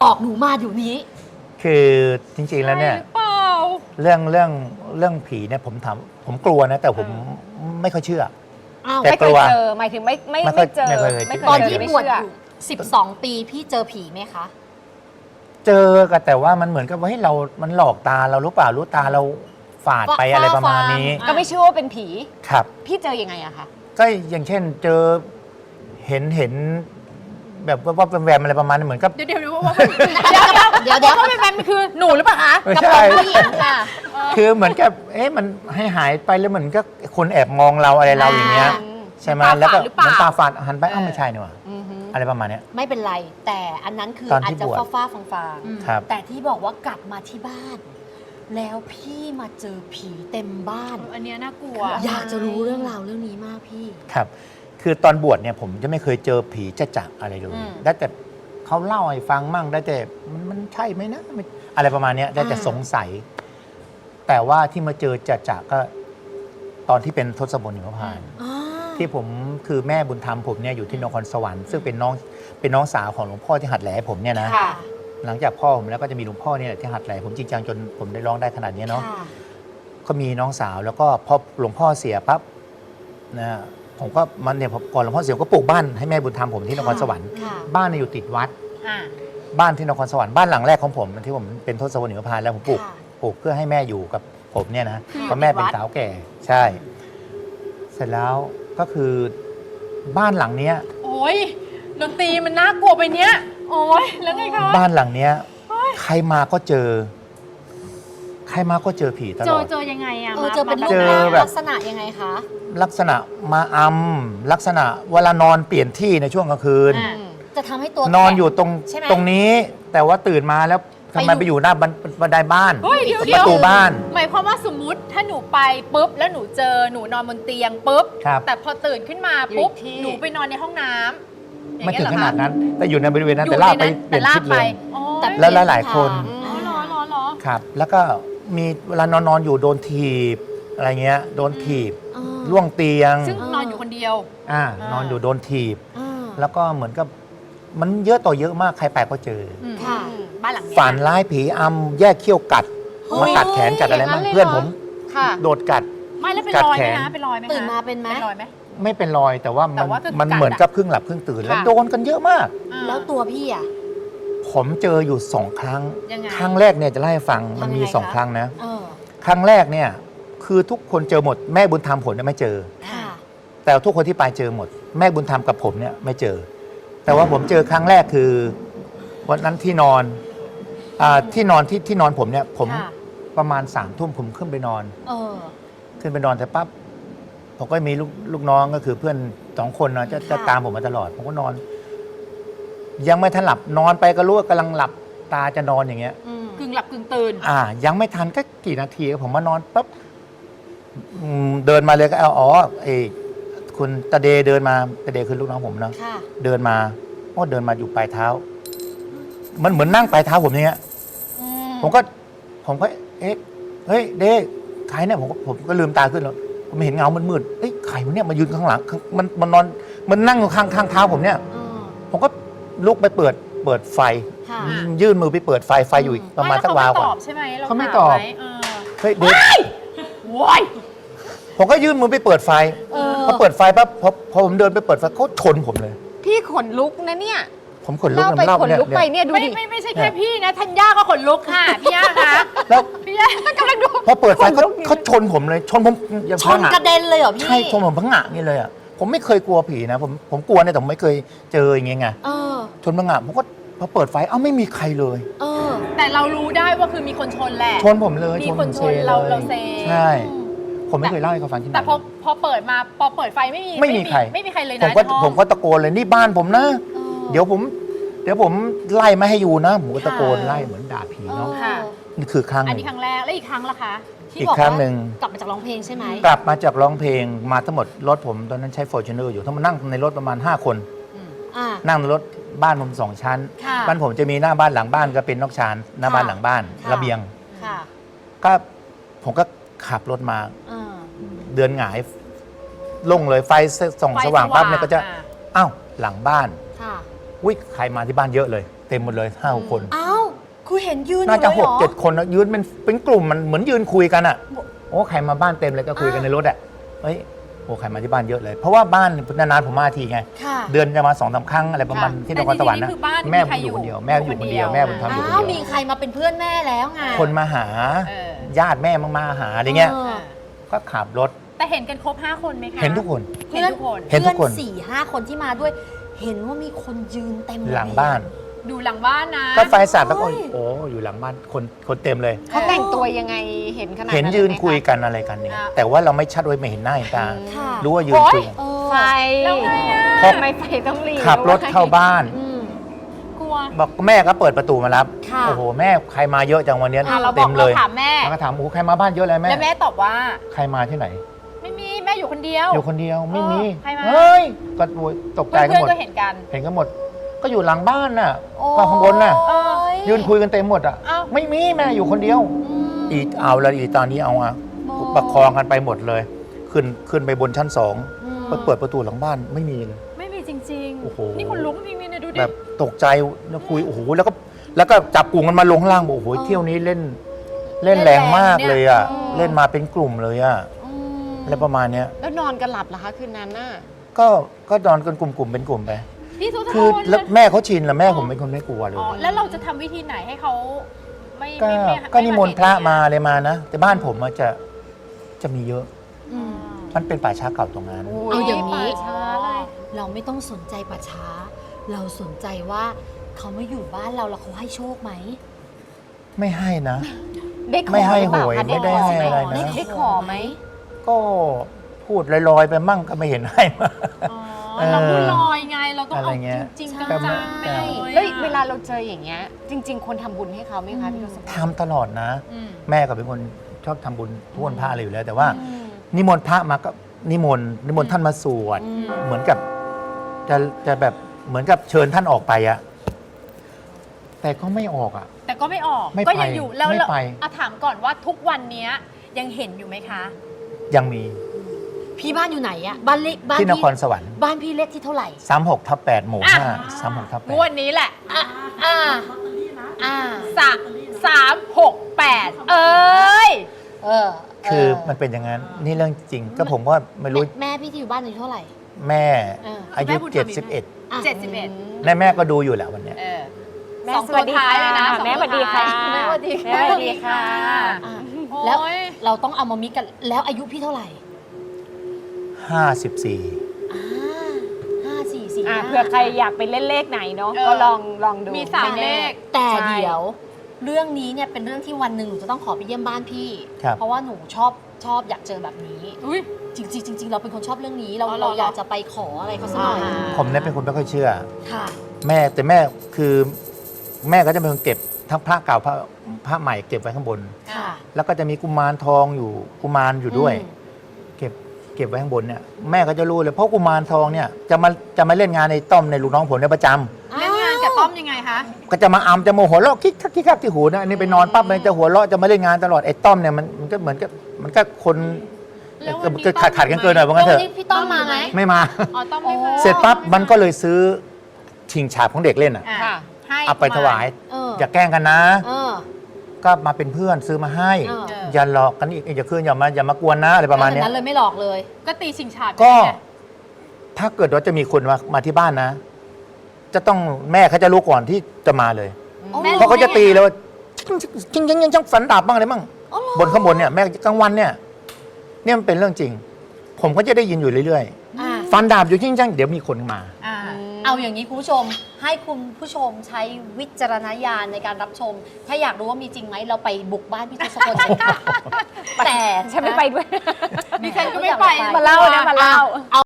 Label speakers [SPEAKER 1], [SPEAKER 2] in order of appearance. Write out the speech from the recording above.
[SPEAKER 1] บอกหนูมาอยู่นี้
[SPEAKER 2] คือจริงๆแล้วเนี่ยเรื่องผีเนี่ยผมกลัวนะแต่ผมไม่ค่อยเชื่อ
[SPEAKER 3] แต่กลัวเจอหมายถึงไม่เจอ
[SPEAKER 1] ตอนที่บวชอยู่12 ปีพี่เจอผีไหมคะ
[SPEAKER 2] เจอกันแต่ว่ามันเหมือนกับว่าให้เรามันหลอกตาเรารู้เปล่ารู้ตาเราฝาดไปอะไรประมาณนี้
[SPEAKER 3] ก็ไม่เชื่อว่าเป็นผี
[SPEAKER 2] ครับ
[SPEAKER 3] พี่เจอยังไงอะคะ
[SPEAKER 2] ก็อย่างเช่นเจอเห็นแบบว่าเป็นแวมอะไรประมาณนี้เหมือนกับ
[SPEAKER 3] เดี๋ยวว่าเป็นแวมคือหนูหรือเปล่าคะ
[SPEAKER 2] กระโปรงผู้หญิงค่ะคือเหมือนกับมันให้หายไปแล้วเหมือนก็คนแอบมองเราอะไรเราอย่างเงี้ยใช่ไหมแล้วก็เหมือนตาฝาดหันไปไม่ใช่นี่หว่าอะไรประมาณนี้
[SPEAKER 1] ไม่เป็นไรแต่อันนั้นคืออาจจะฟ้าฟางๆแต่ที่บอกว่ากลับมาที่บ้านแล้วพี่มาเจอผีเต็มบ้าน
[SPEAKER 3] อันนี้น่ากลัว
[SPEAKER 1] อยากจะรู้เรื่องราวเรื่องนี้มากพี่
[SPEAKER 2] ครับคือตอนบวชเนี่ยผมจะไม่เคยเจอผีจะอะไรเลยได้แต่เขาเล่าให้ฟังมั่งได้แต่มันใช่ไหมนะอะไรประมาณนี้ได้แต่สงสัยแต่ว่าที่มาเจอจะก็ตอนที่เป็นทศพลหิมพานต์ที่ผมคือแม่บุญธรรมผมเนี่ยอยู่ที่นครสวรรค์ซึ่งเป็นน้องสาวของหลวงพ่อที่หัดแหล่ผมเนี่ยนะหลังจากพ่อผมแล้วก็จะมีหลวงพ่อเนี่ยที่หัดแหล่ผมจริงจังจนผมได้ร้องได้ขนาดนี้เนาะก็มีน้องสาวแล้วก็พอหลวงพ่อเสียปั๊บนะผมก็มันเนี่ยก่อนหลวงพ่อเสียก็ปลูกบ้านให้แม่บุญธรรมผมที่นครสวรรค์บ้านอยู่ติดวัดบ้านที่นครสวรรค์บ้านหลังแรกของผมที่ผมเป็นทศพลหิมพานต์แล้วผมปลูกเพื่อให้แม่อยู่กับผมเนี่ยนะเพราะแม่เป็นสาวแก่ใช่เสร็จแล้วก็คือบ้านหลังเนี้ย
[SPEAKER 3] โอ้ยดนตรีมันน่ากลัวไปเนี้ยโอ้ยแล้วไงคะ
[SPEAKER 2] บ้านหลังเนี้ยใครมาก็เจอผีตลอด
[SPEAKER 3] เจอยังไงอะ
[SPEAKER 1] เจอเป็นรูปลักษณะยังไงคะ
[SPEAKER 2] ลักษณะมาลักษณะเวลานอนเปลี่ยนที่ในช่วงกลางคืน
[SPEAKER 1] จะทำให้ตัวน
[SPEAKER 2] อนอยู่ตรงนี้แต่ว่าตื่นมาแล้วทำไมไปอยู่หน้าบันไดบ้านประตูบ้าน
[SPEAKER 3] หมายความว่าสมมุติถ้าหนูไปปุ๊บแล้วหนูเจอหนูนอนบนเตียงปุ๊บแต่พอตื่นขึ้นมาปุ๊บหนูไปนอนในห้องน้ำ
[SPEAKER 2] ไม่ถึงขนาดนั้นแต่อยู่ในบริเวณนั้นแต่ลากไปเปลี่ยนชุดเลยแล้วหลายคนครับแล้วก็มีเวลานอนอยู่โดนถีบอะไรเงี้ยโดนถีบล่วงเตียง
[SPEAKER 3] ซึ่งนอนอยู่คนเดีย
[SPEAKER 2] วนอนอยู่โดนถีบแล้วก็เหมือนกับมันเยอะต่อเยอะมากใครไปก็เจอ
[SPEAKER 3] บ้านหลังนี้
[SPEAKER 2] ฝันร้ายผีอำแยกเขี้ยวกัดมากัดแขนกัดอะไรมั่งเพื่อนผมโดดกัด
[SPEAKER 3] ไม่แล้วเป็นรอยไหมนะเป็นรอยไหม
[SPEAKER 1] ตื่นมาเป็นไหม
[SPEAKER 2] ไม่เป็นรอยแต่ว่ามันเหมือนกับครึ่งหลับครึ่งตื่นแล้วโดนกันเยอะมาก
[SPEAKER 1] แล้วตัวพี่อ่ะ
[SPEAKER 2] ผมเจออยู่2 ครั้งครั้งแรกเนี่ยจะเล่าให้ฟังมันมี2 ครั้งนะครั้งแรกเนี่ยคือทุกคนเจอหมดแม่บุญธรรมผมเนี่ยไม่เจอแต่ทุกคนที่ไปเจอหมดแม่บุญธรรมกับผมเนี่ยไม่เจอแต่ว่าผมเจอครั้งแรกคือวันนั้นที่นอนที่นอนผมเนี่ยผมประมาณ3 ทุ่มผมขึ้นไปนอนแต่ปั๊บผมก็มีลูกน้องก็คือเพื่อน2 คนนะจะตามผมมาตลอดผมก็นอนยังไม่ทันหลับนอนไปก็รู้ว่ากำลังหลับตาจะนอนอย่างเงี้ย
[SPEAKER 3] กึ่งหลับกึ่งตื่น
[SPEAKER 2] ยังไม่ทันก็กี่นาทีผมมานอนปั๊บเดินมาเลยก็คุณตาเดเดินมาตาเดคือลูกน้องผมนะเดินมาเดินมาอยู่ปลายเท้ามันเหมือนนั่งปลายเท้าผมอย่างเงี้ยผมก็เฮ้ยเดใครเนี่ยผมก็ลืมตาขึ้นแล้วผมเห็นเงามืดใครมันเนี่ยมายืนข้างหลังมันนอนมันนั่งอยู่ข้างเท้าผมเนี่ยผมก็ลุกไปเปิดไฟยื่นมือไปเปิดไฟอยู่ประมาณสักวาวกว่าเขาไม่ตอบเฮ้ยเด็กผมก็ยื่นมือไปเปิดไฟพอเปิดไฟปั๊บพอผมเดินไปเปิดไฟเขาชนผมเลย
[SPEAKER 3] พี่ขนลุกนะเนี่ย
[SPEAKER 2] ผมขนลุก
[SPEAKER 3] ไปขนลุกไปเนี่ยดูดิไม่ใช่แค่พี่นะธัญญาก็ขนลุกค่ะพี่ย่าคะแล้วพี่ย่ากำลังดู
[SPEAKER 2] พอเปิดไฟเขาชนผมเลยชนผมอย่าง
[SPEAKER 1] ชนกระเด็นเลยเหรอพี่
[SPEAKER 2] ใช่ชนผมพังงะนี่เลยอ่ะผมไม่เคยกลัวผีนะผมกลัวเนี่ยแต่ผมไม่เคยเจออย่างเงี้ยไงชนพังงะผมก็พอเปิดไฟไม่มีใครเลย
[SPEAKER 3] แต่เรารู้ได้ว่าคือมีคนชนแหละ
[SPEAKER 2] ชนผมเลย
[SPEAKER 3] มีคนชนเราเซ
[SPEAKER 2] ใช่ผมไม่เคยเล่าให้เขาฟังที่ไหน
[SPEAKER 3] แต่พอเปิดมาพอเปิดไฟไม่มีใครเลยนะ
[SPEAKER 2] ผมก็ตะโกนเลยนี่บ้านผมนะเดี๋ยวผมไล่ไม่ให้อยู่นะผมก็ตะโกนไล่เหมือนด่าผีเนาะนี่คือครั้ง
[SPEAKER 3] อันนี้ครั้งแรกแล้วอีกครั้งล่ะคะ
[SPEAKER 2] อีกครั้งหนึ่ง
[SPEAKER 1] กลับมาจากร้องเพลงใช่ไหม
[SPEAKER 2] กลับมาจากร้องเพลงมาทั้งหมดรถผมตอนนั้นใช้ Fortuner อยู่ทั้งหมดนั่งในรถประมาณ5 คนนั่งในรถบ้านผม2 ชั้นบ้านผมจะมีหน้าบ้านหลังบ้านก็เป็นนอกชานหน้าบ้านหลังบ้านระเบียงก็ผมก็ขับรถมาเดือนหงายลงเลยไฟส่องสว่างปั๊บเนี่ยก็จะอ้าวหลังบ้านใครมาที่บ้านเยอะเลยเต็มหมดเลย5-6 คน
[SPEAKER 1] อ้าวคือเห็นยืน
[SPEAKER 2] น่าจะ
[SPEAKER 1] อยู่เลยเหรอ
[SPEAKER 2] 6-7 คนนะยืนเป็นกลุ่มมันเหมือนยืนคุยกันอ่ะโอ้ใครมาบ้านเต็มเลยก็คุยกันในรถอ่ะเฮ้ยโอ้ใครมาที่บ้านเยอะเลย เพราะว่าบ้านนานๆผมมาทีไง
[SPEAKER 1] ค่ะ
[SPEAKER 2] เดือนจะมา2-3 ครั้งอะไรประมาณที่นครสวรรค์นะ
[SPEAKER 3] แต่จริงๆนี่คือบ้าน
[SPEAKER 2] แม่
[SPEAKER 3] มี
[SPEAKER 2] ผ
[SPEAKER 3] ใคร
[SPEAKER 2] มอยู่คนเดียว
[SPEAKER 3] อยู่
[SPEAKER 2] แม่อยู่คนเดียว
[SPEAKER 3] คนเดียว
[SPEAKER 2] แม่บุญธรรมอยู่คน
[SPEAKER 1] อ้าว
[SPEAKER 2] เดี
[SPEAKER 1] มี
[SPEAKER 2] ยว
[SPEAKER 1] ใครมาเป็นเพื่อนแม่แล้วไง
[SPEAKER 2] คนมาหา
[SPEAKER 3] เออ
[SPEAKER 2] ญาติแม่มาหาอะไรเงี้ย
[SPEAKER 1] เออ
[SPEAKER 2] ก็ขับรถ
[SPEAKER 3] แต่เห็นกันครบ5 คนไหมคะ
[SPEAKER 2] เห็นทุกคน
[SPEAKER 3] เห็นทุกคน
[SPEAKER 2] เห็นทุกคน
[SPEAKER 1] พื่อ4-5 คนที่มาด้วย เห็นว่ามีคนยืนเต็ม
[SPEAKER 2] หลังบ้าน
[SPEAKER 3] ดูหลังบ้านนะ
[SPEAKER 2] ก็ไฟสาดแล้วก็
[SPEAKER 1] โอ้ย
[SPEAKER 2] โอ้อยู่หลังบ้านคนเต็มเลย
[SPEAKER 4] เขาแต่งตัวยังไงเห็นขนาด
[SPEAKER 2] เห็น
[SPEAKER 4] นั้น
[SPEAKER 2] ยืน
[SPEAKER 4] เลไหมะ
[SPEAKER 2] คุยกันอะไรกันเนี่ยแต่ว่าเราไม่ชัดไว้ไม่เห็นหน้าเห็นตา
[SPEAKER 1] ค่ะ
[SPEAKER 2] รู้ว่ายืนคุยกัน
[SPEAKER 1] เออ
[SPEAKER 4] ไฟ
[SPEAKER 3] แล้วไงอะ
[SPEAKER 2] พอ
[SPEAKER 4] ทำไมไฟต้องหลี
[SPEAKER 2] ขับรถเข้าบ้าน
[SPEAKER 1] อืม
[SPEAKER 3] กลัว
[SPEAKER 2] บอกแม่ก็เปิดประตูมารับ
[SPEAKER 1] ค่ะ
[SPEAKER 2] โอ้โหแม่ใครมาเยอะจังวันเนี้ย
[SPEAKER 3] อ่ะเราบ
[SPEAKER 2] เต็
[SPEAKER 3] อก
[SPEAKER 2] มเล
[SPEAKER 3] เรา
[SPEAKER 2] ย
[SPEAKER 3] ถามแม่
[SPEAKER 2] แล้วก็ถามโอ้โหใครมาบ้านเยอะเลยแม่
[SPEAKER 3] แล้วแม่ตอบว่า
[SPEAKER 2] ใครมาที่ไหน
[SPEAKER 3] ไม่มีแม่อยู่คนเดียว
[SPEAKER 2] อยู่คนเดียวไม่มี
[SPEAKER 3] ใครมา
[SPEAKER 2] เฮ้ยก็โวยตกใจ
[SPEAKER 3] เพื่
[SPEAKER 2] กัน
[SPEAKER 3] อน
[SPEAKER 2] หมด
[SPEAKER 3] ๆก็เห็นกัน
[SPEAKER 2] เห็นกันหมด ก็อยู่หลังบ้านน่ะ
[SPEAKER 1] โอ้
[SPEAKER 2] ก็ข้างบนน่ะ
[SPEAKER 1] โอ้ย
[SPEAKER 2] ยืนคุยกันเต็มหมดอ่ะ
[SPEAKER 3] เอ้า
[SPEAKER 2] ไม่มีแม่อยู่คนเดียว
[SPEAKER 1] อืม
[SPEAKER 2] อีเอาแล้วอีตอนนี้เอาอะ
[SPEAKER 1] โอ้
[SPEAKER 2] ประคองกันไปหมดเลย ขึ้นไปบนชั้น
[SPEAKER 1] อืม
[SPEAKER 2] 2ไปเปิดประตูหลังบ้านไม่มีเลย
[SPEAKER 3] ไม่มีจริง
[SPEAKER 2] โอ้โห
[SPEAKER 3] นี่คนลุกจริงๆเนี่ยดูดิ
[SPEAKER 2] แบบตกใจแล้วคุยโอ้โหแล้วก็จับกลุ่มกันมาลงข้างล่างบอกโอ้โหเที่ยวนี้เล่นแรงมากเลยอ่ะเล่นมาเป็นกลุ่มเลยอ่ะ
[SPEAKER 1] อืม
[SPEAKER 2] อะไรประมาณเนี้ย
[SPEAKER 4] แล้วนอนกันหลับเหรอคะคืนนั้นน่ะ
[SPEAKER 2] ก็นอนกันกลุ่มเป็นกลุ่มไป
[SPEAKER 3] พี่ทุก
[SPEAKER 2] คือ
[SPEAKER 3] คน
[SPEAKER 2] แล้วแม่เขาชินแล้วแม่ผมเป็นคนไม่กลัวเลย
[SPEAKER 3] อ๋อแล้วเราจะทำวิธีไหนให้เขาไม่
[SPEAKER 2] ก็
[SPEAKER 3] ไม่ไม่
[SPEAKER 2] ก็นิมนต์พระมาอะไรมานะแต่บ้านผมอะจะมีเยอะ
[SPEAKER 1] อืม
[SPEAKER 2] มันเป็นป่าช้าเก่าตรงนั้น
[SPEAKER 1] เอาอย่างนี้
[SPEAKER 3] ป่ช้าเลย
[SPEAKER 1] เราไม่ต้องสนใจป่าช้า เราสนใจว่าเขาไม่อยู่บ้านเราแล้วเขาให้โชคไหม
[SPEAKER 2] ไม่ให้นะ
[SPEAKER 4] ได้ขอ
[SPEAKER 2] ไม่ให้
[SPEAKER 4] รือเปล่า
[SPEAKER 2] หวย
[SPEAKER 4] คะ
[SPEAKER 2] ไม่ได้ให้อะไรนะ
[SPEAKER 4] ได้ขอไหม
[SPEAKER 2] ก็พูดลอยๆไปมั่งก็ไม่เห็นให้มา
[SPEAKER 3] อ๋อ
[SPEAKER 2] เออ
[SPEAKER 3] เราพูดลอยไงเราต้อง
[SPEAKER 2] อะไร
[SPEAKER 3] เอา
[SPEAKER 2] เงี้ย
[SPEAKER 3] จริงๆ
[SPEAKER 1] ใช่
[SPEAKER 3] จังๆไปเลย
[SPEAKER 4] แล้วเวลาเราเจออย่างเงี้ย จริง ๆ คนทำบุญให้เขาไหมคะพี่ทศพล
[SPEAKER 2] ทำตลอดนะ
[SPEAKER 3] อืม
[SPEAKER 2] แม่ก็เป็นคนชอบทำบุญทุกวันพระอะไรอยู่แล้ว แต่ว่า
[SPEAKER 4] อืม
[SPEAKER 2] นิมนต์พระมาก็นิมนต์ท่านมาสวด
[SPEAKER 1] อืม
[SPEAKER 2] เหมือนกับจะแบบเหมือนกับเชิญท่านออกไปอะแต่ก็ไม่ออกอะ
[SPEAKER 3] แต่ก็ไม่ออก
[SPEAKER 2] ไม่
[SPEAKER 3] ก็
[SPEAKER 2] ไป
[SPEAKER 3] ยังอยู่แล้ว
[SPEAKER 2] ไม่
[SPEAKER 3] เรา
[SPEAKER 2] ไป
[SPEAKER 3] เอาถามก่อนว่าทุกวันเนี้ยยังเห็นอยู่ไหมคะ
[SPEAKER 2] ยังมี
[SPEAKER 1] พี่บ้านอยู่ไหนอะบ้านเล็กบ้าน
[SPEAKER 2] ที่น
[SPEAKER 1] พี่
[SPEAKER 2] ครสวรรค์
[SPEAKER 1] บ้านพี่เล็กที่เท่าไหร่
[SPEAKER 2] 36/8หมู่
[SPEAKER 3] อ่ะ
[SPEAKER 2] 5 36/8
[SPEAKER 3] งวดนี้แหละ
[SPEAKER 1] อ่าอ่า
[SPEAKER 3] 368เอ้ย
[SPEAKER 1] เออ
[SPEAKER 2] คือมันเป็นอย่างนั้น นี่เรื่องจริง ก็ผมว่าไม่รู้
[SPEAKER 1] แม่พี่ที่อยู่บ้านอายุเท่าไหร่
[SPEAKER 2] แม่
[SPEAKER 1] เออ
[SPEAKER 2] อายุ
[SPEAKER 3] แม่บุญธรรมอีกไหม
[SPEAKER 2] 71
[SPEAKER 1] อ่ะ
[SPEAKER 3] 71
[SPEAKER 2] และแม่ก็ดูอยู่แหละวันเนี้ย
[SPEAKER 3] เออ
[SPEAKER 4] แม่
[SPEAKER 3] สองตัวท้ายเลยนะ
[SPEAKER 4] สวัสดีค่ะ
[SPEAKER 3] สองตัวท้าย
[SPEAKER 4] แม่สวัสดีค่ะ
[SPEAKER 3] แม่สวัสดีค่ะ
[SPEAKER 1] อ่ะ
[SPEAKER 3] โอ้
[SPEAKER 1] แล้ว
[SPEAKER 3] ย
[SPEAKER 1] เราต้องเอามามิกกันแล้วอายุพี่เท่าไหร่
[SPEAKER 2] 54
[SPEAKER 1] อ่า5 4 4
[SPEAKER 4] อ่ะเผื่อใครอยากไปเล่นเลขไหนเนาะ
[SPEAKER 3] เออ
[SPEAKER 4] ก็ลองดู
[SPEAKER 3] มีสาม
[SPEAKER 4] ไแน่
[SPEAKER 3] เลข
[SPEAKER 1] แต่
[SPEAKER 4] ใช่
[SPEAKER 1] เดี๋ยว เรื่องนี้เนี่ยเป็นเรื่องที่วันหนึ่งหนูจะต้องขอไปเยี่ยมบ้านพี่
[SPEAKER 2] ครับ
[SPEAKER 1] เพราะว่าหนูชอบอยากเจอแบบนี้
[SPEAKER 3] อุ้ย
[SPEAKER 1] จริงๆเราเป็นคนชอบเรื่องนี้เรา
[SPEAKER 3] อ๋อเหรอ
[SPEAKER 1] เราอยากจะไปขออะไรเขาสักหน่อย
[SPEAKER 4] อ่า
[SPEAKER 2] ผมเนี่ยเป็นคนไม่ค่อยเชื่อ
[SPEAKER 1] ค่ะ
[SPEAKER 2] แต่แม่คือแม่ก็จะเป็นคนเก็บทั้งพระเก่าพระใหม่เก็บไว้ข้างบน
[SPEAKER 1] ค่ะ
[SPEAKER 2] แล้วก็จะมีกุมารทองอยู่กุมารอยู่ด้วย เก็บไว้ข้างบนเนี่ยแม่ก็จะรู้เลยเพราะกุมารทองเนี่ยจะมาเล่นงานในต้อมในลูกน้องผมเนี่ยประจำ
[SPEAKER 3] เล่นงานกับต้อมยังไงคะ
[SPEAKER 2] ก็จะมาอำจะโมโหเราะคิกคักคิกคักที่หูนะอันนี้ไปนอนปั๊บมันจะหัวเราะจะมาเล่นงานตลอดไอ้ต้อมเนี่ยมันก็เหมือนกับมันก็คน
[SPEAKER 3] แล้ววันนี้
[SPEAKER 2] ก็ขัดกันเกินหน่อยว่างั้นเถ
[SPEAKER 1] แล้ว
[SPEAKER 2] อะ
[SPEAKER 1] นี่พี่ต้อมมาไหม
[SPEAKER 2] ไม่มา
[SPEAKER 3] อ๋อต้อมไม่มา
[SPEAKER 2] เสร็จปั๊บมันก็เลยซื้อชิงฉาบของเด็กเล่นอ่ะ
[SPEAKER 3] อ่ะ
[SPEAKER 4] ค่ะ
[SPEAKER 3] ให้
[SPEAKER 2] เอาไปถวาย
[SPEAKER 1] เออ
[SPEAKER 2] อย่าแกล้งกันนะ
[SPEAKER 1] เออ
[SPEAKER 2] ก็มาเป็นเพื่อนซื้อมาให้
[SPEAKER 1] เออ
[SPEAKER 2] อย่าหลอกกันอีกอย่าคืนอย่ามากวนนะอะไรประมาณเนี้ย
[SPEAKER 1] นั้นเลยไม่หลอกเลย
[SPEAKER 3] ก็ตีชิงฉาบ
[SPEAKER 2] ก็
[SPEAKER 3] ไง
[SPEAKER 2] ถ้าเกิดว่าจะมีคนมาที่บ้านนะ จะต้องแม่เขาจะรู้ก่อนที่จะมาเลย
[SPEAKER 3] แม่
[SPEAKER 2] เพราะเขาจะตีเลยว่าชิงช่างฝันดาบบ้างอะไรบ้าง
[SPEAKER 1] อ๋อเหรอ
[SPEAKER 2] บนข้างบนเนี่ยแม่กลางวันเนี่ยมันเป็นเรื่องจริง ผมก็จะได้ยินอยู่เรื่อย
[SPEAKER 1] อ่า
[SPEAKER 2] ๆฟันดาบอยู่ชิงเดี๋ยวมีคนมา
[SPEAKER 3] อ่า
[SPEAKER 1] เอาอย่างนี้คุณผู้ชม ให้คุณผู้ชมใช้วิจารณญาณในการรับชม ถ้าอยากรู้ว่ามีจริงไหมเราไปบุกบ้านพี่ทศพลกันค่ะแต่
[SPEAKER 4] ฉันไม่ไปด้วย
[SPEAKER 3] ดิฉันก็ไม่ไป
[SPEAKER 4] มาเล่านะมาเล่า